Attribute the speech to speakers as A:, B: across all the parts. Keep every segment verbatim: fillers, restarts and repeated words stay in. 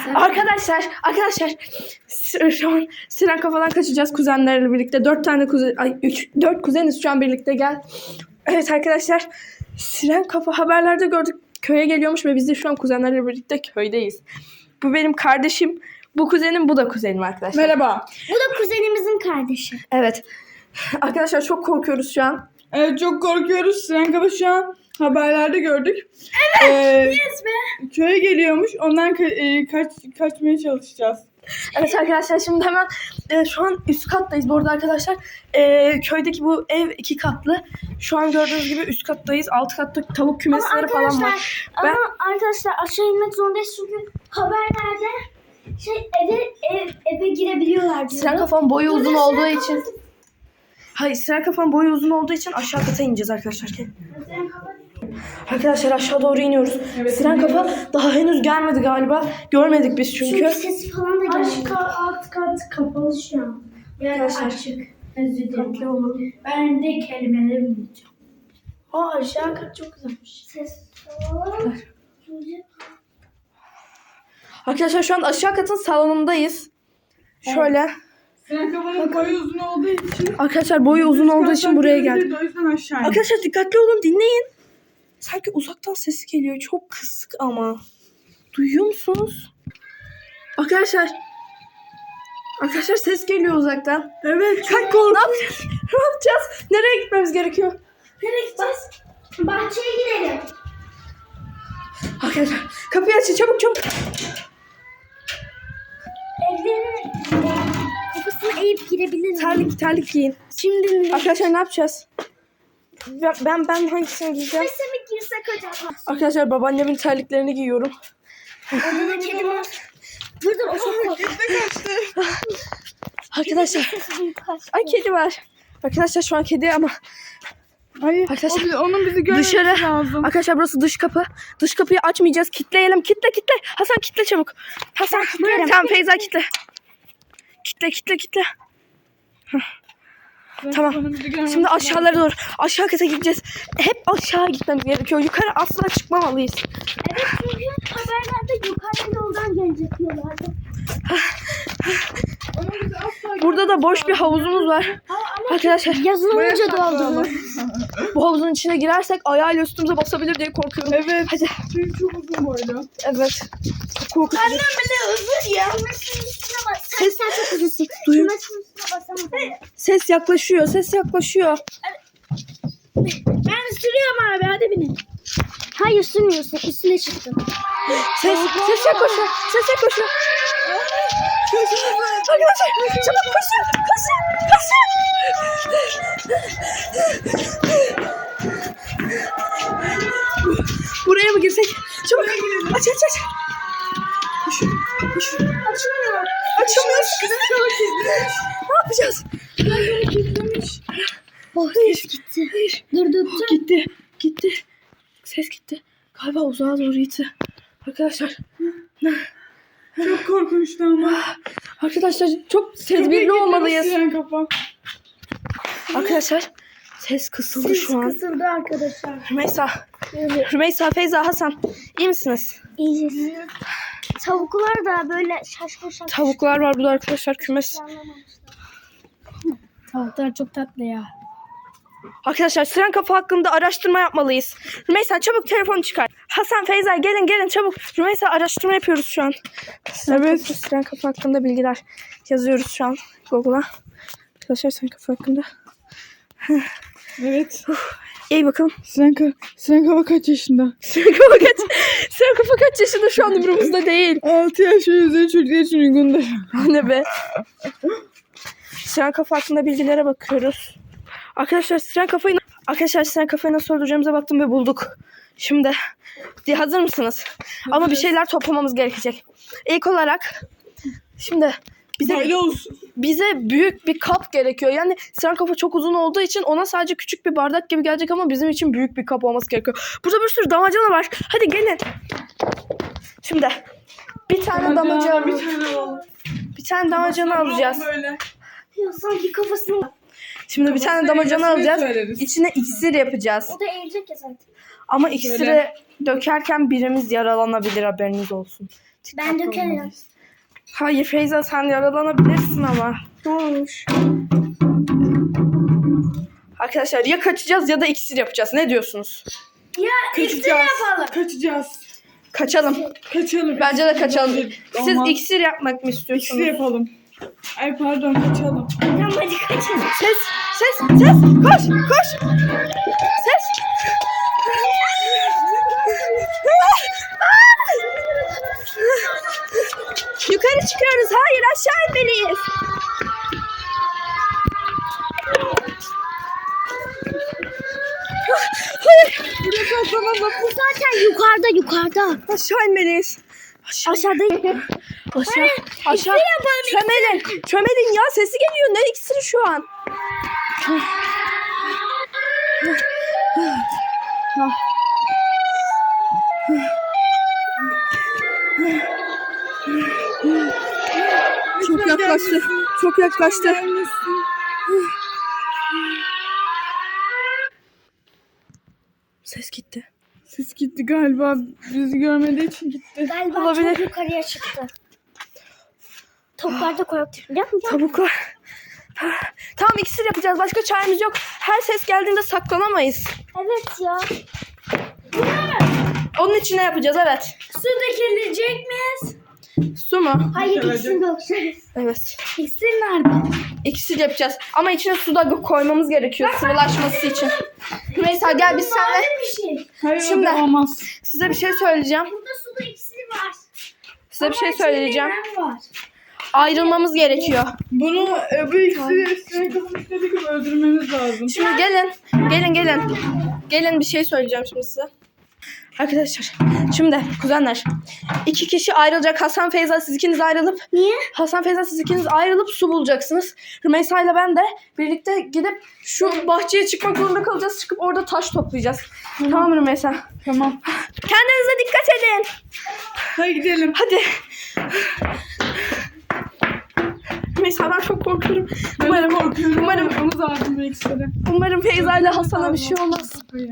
A: Arkadaşlar, arkadaşlar şu an Siren kafadan kaçacağız kuzenlerle birlikte. Dört tane kuzen, ay üç, dört kuzeniz şu an birlikte gel. Evet arkadaşlar, Siren kafa haberlerde gördük köye geliyormuş ve biz de şu an kuzenlerle birlikte köydeyiz. Bu benim kardeşim, bu kuzenim, bu da kuzenim arkadaşlar.
B: Merhaba.
C: Bu da kuzenimizin kardeşi.
A: Evet. Arkadaşlar çok korkuyoruz şu an.
B: Evet çok korkuyoruz. Siren Kafa şu an haberlerde gördük. Evet. Ee,
C: Yes be.
B: Köye geliyormuş. Ondan ka- e, kaç kaçmaya çalışacağız.
A: Evet arkadaşlar şimdi hemen e, şu an üst kattayız. Bu arada arkadaşlar e, köydeki bu ev iki katlı. Şu an gördüğünüz gibi üst kattayız. Alt katta tavuk kümesleri falan var.
C: Ama
A: Ben...
C: arkadaşlar aşağı inmek zorundayız çünkü haberlerde şey eve ev, eve girebiliyorlar diyor.
A: Siren kafam boyu
C: Burada
A: uzun
C: Siren
A: olduğu
C: kafası-
A: için. Hayır, Siren kafam boyu uzun olduğu için aşağı kata ineceğiz arkadaşlar. Arkadaşlar aşağı doğru iniyoruz.
B: Evet,
A: Siren kafa daha henüz gelmedi galiba. Görmedik biz çünkü.
C: Çünkü ses falan da gelmiyor.
D: Aşk alt kat kapalı şu an. Yani
A: Arkadaşlar.
D: açık. Özür dilerim.
A: Dikkatli olun.
D: Ben de kelimeleri bulacağım. Aa aşağı kat çok güzelmiş.
C: Ses
A: Arkadaşlar şu an aşağı katın salonundayız. Şöyle.
B: Siren Kafa'nın boyu uzun olduğu için.
A: Arkadaşlar boyu uzun olduğu için buraya geldik.
B: O yüzden aşağı indik.
A: Arkadaşlar dikkatli olun, dinleyin. Sanki uzaktan sesi geliyor. Çok kısık ama. Duyuyor musunuz? Arkadaşlar. Arkadaşlar ses geliyor uzaktan. Evet. Kalk kork. Ne yapacağız? Ne yapacağız? Nereye gitmemiz gerekiyor?
C: Nereye gideceğiz? Bahçeye gidelim.
A: Arkadaşlar kapıyı açın çabuk çabuk.
C: Evlerin kapısını eğip girebiliriz.
A: Terlik terlik giyin.
C: Şimdi
A: Arkadaşlar ne yapacağız? Ben ben, ben hangisini giyeceğim?
C: Neyse mi girsek acaba?
A: Arkadaşlar babaannemin terliklerini giyiyorum.
C: Orada da kedi var. Dur dur o çok korktu.
A: Arkadaşlar. Ay kedi var. Arkadaşlar şu an kedi ama.
B: Hayır.
A: Arkadaşlar,
B: o bizi- onun bizi görmesi
A: Dışarı.
B: lazım.
A: Arkadaşlar burası dış kapı. Dış kapıyı açmayacağız. Kitleyelim. Kitle kitle. Hasan kitle çabuk. Hasan. Tamam Feyza kitle. Kitle kitle kitle. Tamam.
B: Onun bizi görmesi
A: Şimdi
B: lazım.
A: aşağılara doğru. Aşağı kata gideceğiz. Hep aşağı gitmemiz gerekiyor. Yukarı asla çıkmamalıyız.
C: Evet çünkü haberlerde yukarı yoldan gelecek diyorlardı.
B: Onun bizi asla
A: Burada da boş bir havuzumuz var. Arkadaşlar
C: Yazın
B: Buraya
C: olunca
B: saklayalım.
C: doldu.
A: bu havuzun içine girersek ayağıyla üstümüze basabilir diye korkuyorum.
B: Evet.
A: Hadi.
B: Çünkü çok uzun boylu.
A: Evet. Çok korkutucu.
C: bile özür ya. Sen, sen çok üzülsün.
A: Duyuyor.
C: Kümesin üstüne basamadım.
A: Ses yaklaşıyor. Ses yaklaşıyor.
C: Ben sürüyorum abi hadi binin. Hayır sürmüyorsun üstüne çıktın.
A: Ses, ses yaklaşıyor. Ses yaklaşıyor. Arkadaşlar çabuk koşun. Koşun. Koşun. Buraya mı girsek? Çabuk. Aç aç aç. Koşun. Koşun.
C: Açılmıyor.
A: Açılmıyor. Ne yapacağız?
C: Oh ses gitti.
A: Hayır.
C: Dur dur dur.
A: Gitti. Gitti. Ses gitti. Galiba uzağa doğru gitti. Arkadaşlar.
B: Çok korkunçtu ama.
A: Arkadaşlar çok tedbirli olmalıyız.
B: Siren Kafa.
A: Arkadaşlar ses kısıldı şu an.
C: Kısıldı arkadaşlar.
A: Rümeysa. Rümeysa, Feyza, Hasan. İyi misiniz?
C: İyiyiz. Tavuklar da böyle şaşkın şaşkın.
A: Tavuklar var burada arkadaşlar, kümes.
D: Tavuklar çok tatlı ya.
A: Arkadaşlar Siren kafa hakkında araştırma yapmalıyız. Rümeysa çabuk telefonu çıkar. Hasan, Feyza gelin gelin çabuk. Rümeysa araştırma yapıyoruz şu an. Siren
B: Evet.
A: Kafa, Siren kafa hakkında bilgiler yazıyoruz şu an Google'a. Arkadaşlar Siren kafa hakkında.
B: Evet.
A: İyi bakalım.
B: Siren, Ka- Siren Kafa kaç yaşında?
A: Siren kafa kaç, Siren kafa kaç yaşında şu an umurumuzda değil.
B: altı yaş ve üzeri çocuklar için uygundur.
A: Ne be? Siren kafa hakkında bilgilere bakıyoruz. Arkadaşlar Siren kafayı Arkadaşlar Siren kafayı nasıl öldüreceğimize baktım ve bulduk. Şimdi hazır mısınız? Ama bir şeyler toplamamız gerekecek. İlk olarak şimdi bize
B: Böyle olsun.
A: bize büyük bir kap gerekiyor. Yani Siren kafa çok uzun olduğu için ona sadece küçük bir bardak gibi gelecek ama bizim için büyük bir kap olması gerekiyor. Burada bir sürü damacana var. Hadi gelin. Şimdi bir tane damacana
B: Bir tane var.
A: bir tane damacana alacağız.
B: Böyle.
C: Ya sanki kafasını.
A: Şimdi bir tane damacana
B: eğmesini
A: alacağız.
B: söyleriz.
A: İçine iksir yapacağız.
C: O da eğilecek ya zaten.
A: Ama iksiri
B: Şöyle.
A: dökerken birimiz yaralanabilir, haberiniz olsun.
C: Ben dökerim.
A: Hayır Feyza, sen yaralanabilirsin ama. Ne olmuş? Arkadaşlar ya kaçacağız ya da iksir yapacağız. Ne diyorsunuz?
C: Ya iksir
B: Kaçacağız.
C: yapalım.
B: Kaçacağız.
A: Kaçalım.
B: Kaçalım.
A: Bence de kaçalım. Siz
B: Olmaz.
A: iksir yapmak mı istiyorsunuz?
B: İksir yapalım. Ay pardon, kaçalım.
C: Tamam hadi kaçalım.
A: Ses, ses, ses. Koş, koş. Ses. Yukarı çıkıyoruz. Hayır, aşağı inmeliyiz. Hayır.
C: Burası zaman bu zaten yukarıda yukarıda.
A: Aşağı inmeliyiz. Aşağı.
C: Aşağıda.
A: Aşağı. Aşağı.
C: yapalım,
A: Çömelin. Çömelin ya, sesi geliyor. Ne iksiri şu an? Çok yaklaştı. Çok yaklaştı. Ses gitti.
B: Ses gitti galiba. Bizi görmediği için gitti.
C: Galiba
A: Olabilir.
C: çok yukarıya çıktı. Toplarda koyduk. Biliyor musun?
A: Tavuklar. Tamam, iksir yapacağız. Başka çaremiz yok. Her ses geldiğinde saklanamayız.
C: Evet ya.
A: Onun için ne yapacağız? Evet.
C: Su dökülecek miyiz?
A: Su mu?
C: Hayır
B: Dökülecek.
C: ikisini dökeceğiz.
A: Evet.
C: İksir nerede?
A: İksir yapacağız. Ama içine su da koymamız gerekiyor sıvılaşması için. Neyse gel biz seninle.
C: bir şey.
B: Hayır,
A: Şimdi-
B: o da olmaz.
A: Size bir şey söyleyeceğim.
C: Burada suda iksir var.
A: Size bir şey söyleyeceğim.
C: Var.
A: Ayrılmamız gerekiyor.
B: Bunu e, bu iksiri üstüne kapatmak gibi öldürmemiz lazım.
A: Şimdi gelin. Gelin gelin. Gelin bir şey söyleyeceğim şimdi size. Arkadaşlar şimdi kuzenler, iki kişi ayrılacak. Hasan, Feyza, siz ikiniz ayrılıp
C: Niye?
A: Hasan, Feyza, siz ikiniz ayrılıp su bulacaksınız. Rümeysa ile ben de birlikte gidip şu bahçeye çıkmak zorunda kalacağız. Çıkıp orada taş toplayacağız. Tamam mı Rümeysa?
B: Tamam.
A: Kendinize dikkat edin.
B: Hadi gidelim.
A: Hadi. Rümeysa, ben çok korkuyorum.
B: Ben
A: Umarım,
B: de korkuyorum.
A: umarım,
B: Umarım lazım bu iksiri.
A: umarım Feyza ile Hasan'a bir şey olmaz.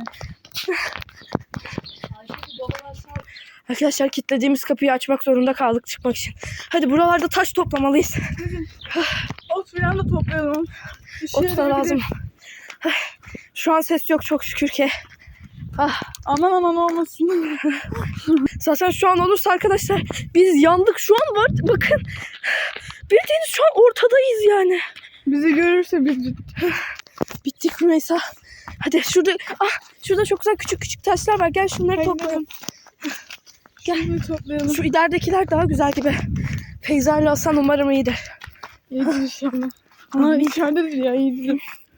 A: Arkadaşlar kilitlediğimiz kapıyı açmak zorunda kaldık çıkmak için. Hadi buralarda taş toplamalıyız.
B: Ot falan da toplayalım. Bir şey
A: Ot da lazım. Şu an ses yok çok şükür ki. Ah,
B: Aman aman olmasın.
A: zaten şu an olursa arkadaşlar biz yandık. Şu an var bakın. Bildiğiniz şu an ortadayız yani.
B: Bizi görürse biz bittik.
A: Bittik Rümeysa. Hadi şurada, ah, şurada çok güzel küçük küçük taşlar var. Gel şunları
B: Hadi
A: toplayalım. Gel.
B: Şimdi toplayalım.
A: Şu ileridekiler daha güzel gibi. Feyza ile Hasan umarım iyidir.
B: İyidir inşallah. Aa içeridedir ya, iyidir.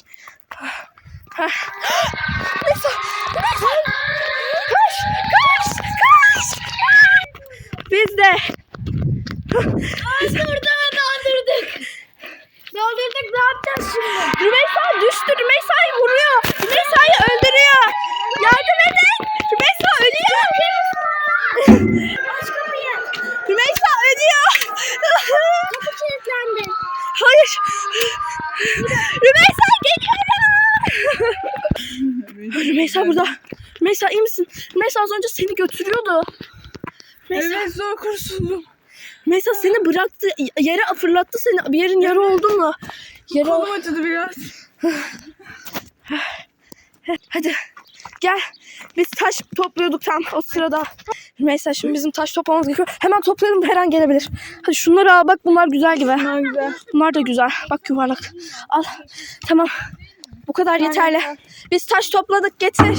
A: Neyse, neyse. Koş, koş, koş. Biz de.
C: Biz orada daldırdık. Daldırdık, ne yapacağız şimdi?
A: Rümeysa düştü. Rümeysa'yı vuruyor. Rümeysa'yı öldürüyor. Yardım edin. Rümeysa ölüyor.
C: Aç kapıyı.
A: Rümeysa ölüyor.
C: Kapı kilitlendi.
A: Hayır. Rümeysa geliyorum. Rümeysa burada. Rümeysa iyi misin? Rümeysa az önce seni götürüyordu. Rümeysa,
B: Evet, zor kurtuldum.
A: Rümeysa seni bıraktı. Yere fırlattı seni. Bir yerin yara oldu mu? Yara
B: Kolum acıdı biraz.
A: Hadi gel. Biz taş topluyorduk tam o sırada. Rümeysa şimdi bizim taş toplamamız gerekiyor. Hemen toplayalım, her an gelebilir. Hadi şunları al, bak bunlar güzel gibi.
B: Bunlar güzel.
A: Bunlar da güzel. Bak yuvarlak. Al. Tamam. Bu kadar yeterli. Biz taş topladık, getir.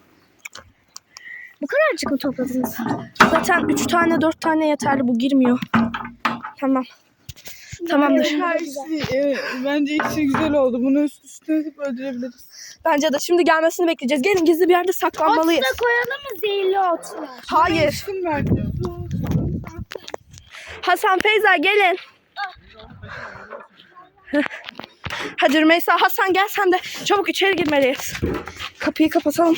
C: Bu kadarcık mı topladınız?
A: Zaten üç tane dört tane yeterli, bu girmiyor. Tamam. Tamamdır.
B: Her şey, e, bence iksir güzel oldu. Bunu üst üstüne atıp öldürebiliriz.
A: Bence de şimdi gelmesini bekleyeceğiz. Gelin gizli bir yerde saklanmalıyız.
C: Ot da koyalım mı, zehirli otlar?
A: Hayır.
B: İçtim belki.
A: Hasan, Feyza gelin. Hadi Rümeysa, Hasan gel sen de. Çabuk içeri girmeliyiz. Kapıyı kapatalım.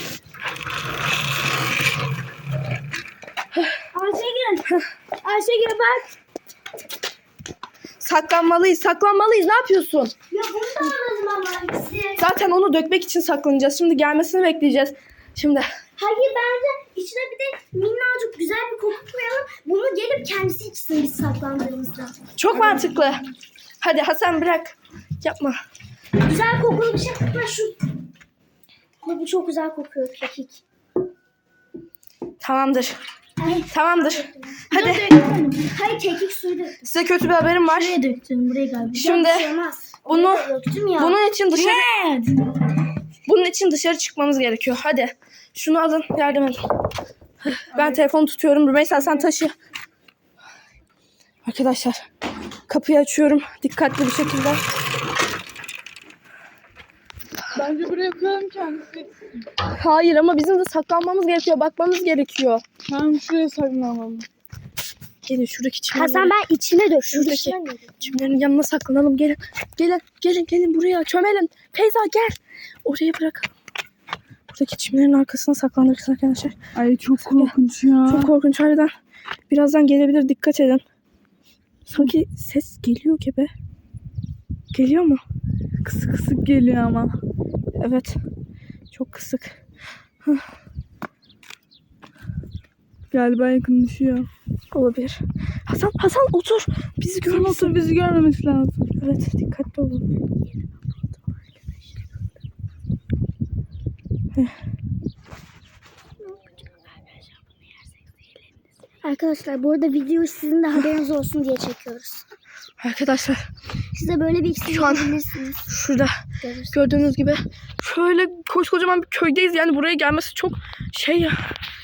C: Ayşegül. Ayşegül bak.
A: Saklanmalıyız, saklanmalıyız. Ne yapıyorsun?
C: Ya bunu da alalım ama iksir.
A: Zaten onu dökmek için saklanacağız. Şimdi gelmesini bekleyeceğiz. Şimdi
C: Hayır bence içine bir de minnacık güzel bir koku koyalım. Bunu gelip kendisi içsin biz saklandığımızda.
A: Çok mantıklı. Hadi Hasan bırak. Yapma.
C: Güzel kokulu bir şey. Ha şu. Bu bu çok güzel kokuyor kekik.
A: Tamamdır.
C: Ay,
A: Tamamdır. Hadi.
C: hayır kekik suyu döktüm.
A: Size kötü bir haberim var.
D: Buraya döktüm. Buraya galiba.
A: Şimdi
C: Bir şey olmaz.
A: bunu
C: Oraya da döktüm ya.
A: bunun için dışarı bunun için dışarı çıkmamız gerekiyor. Hadi. Şunu alın, yardım edin. Ben telefonu tutuyorum. Rümeysa sen taşı. Arkadaşlar, kapıyı açıyorum dikkatli bir şekilde.
B: Bence buraya koyalım kendisi.
A: Hayır ama bizim de saklanmamız gerekiyor. Bakmamız gerekiyor.
B: Tamam şuraya saklanalım.
A: Gelin şuradaki çimlerin,
C: Hasan ben içine dök.
A: şuradaki çimlerin yanına saklanalım. Gelin. Gelin. Gelin. Gelin buraya. Çömelim. Feyza gel. Oraya bırakalım. Buradaki çimlerin arkasına saklanırız arkadaşlar.
B: Ay çok korkunç ya.
A: Çok korkunç harbiden. Birazdan gelebilir. Dikkat edin. Sanki ses geliyor gibi. Geliyor mu?
B: Kısık kısık geliyor ama.
A: Evet. Çok kısık.
B: Galiba yakınlaşıyor.
A: Olabilir. Hasan, Hasan otur. Bizi
B: Sen
A: görmesin.
B: otur bizi görmemesi lazım.
A: Evet, dikkatli olun.
C: Arkadaşlar bu arada videoyu sizin de haberiniz olsun diye çekiyoruz.
A: Arkadaşlar,
C: Size böyle bir iksir
A: Şu an-
C: yapabilirsiniz.
A: şurada
C: Görürsünüz.
A: gördüğünüz gibi şöyle koskocaman bir köydeyiz. Yani buraya gelmesi çok şey ya.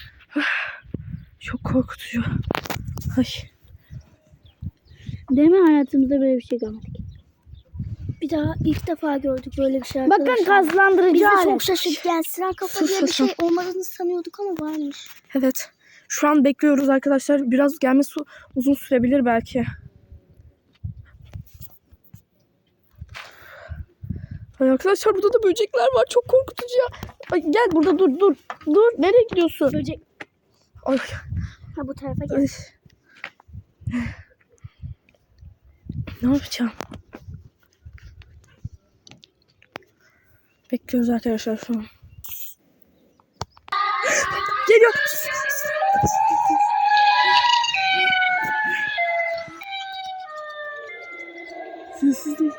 A: Çok korkutucu. Ay.
D: Değil mi, hayatımızda böyle bir şey görmedik.
C: Bir daha ilk defa gördük böyle bir şey arkadaşlar.
D: Bakın gazlandırıcı
C: Biz de
D: alet.
C: çok şaşırdık. Yani siren kafa
A: Sus
C: diye bir
A: Hasan.
C: şey olmadığını sanıyorduk ama varmış.
A: Evet. Şu an bekliyoruz arkadaşlar. Biraz gelmesi uzun sürebilir belki. Ay arkadaşlar burada da böcekler var. Çok korkutucu ya. Ay gel burada dur dur. Dur. Nereye gidiyorsun?
C: Böcek.
A: Ay.
C: Ha bu tarafa gel.
A: Ay. Ne yapacağım? Bekliyoruz arkadaşlar şu an. Geliyor.
B: Sessizlik.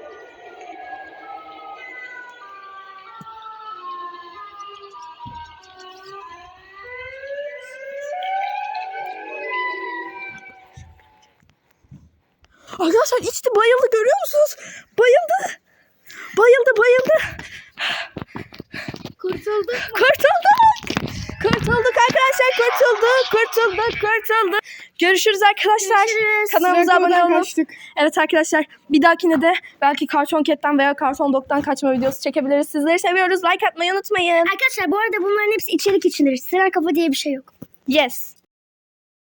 A: Arkadaşlar içti bayıldı görüyor musunuz? Bayıldı. Bayıldı bayıldı.
C: Kurtulduk.
A: Kurtulduk. Kurtulduk arkadaşlar kurtulduk. Kurtulduk kurtulduk. Görüşürüz arkadaşlar.
C: Görüşürüz.
A: Kanalımıza abone
B: Siren
A: olun.
B: kafadan kaçtık.
A: Evet arkadaşlar bir dahakine de belki Cartoon Cat'ten veya Cartoon Dog'dan kaçma videosu çekebiliriz. Sizleri seviyoruz. Like atmayı unutmayın.
C: Arkadaşlar bu arada bunların hepsi içerik içindir. Siren kafa diye bir şey yok.
A: Yes.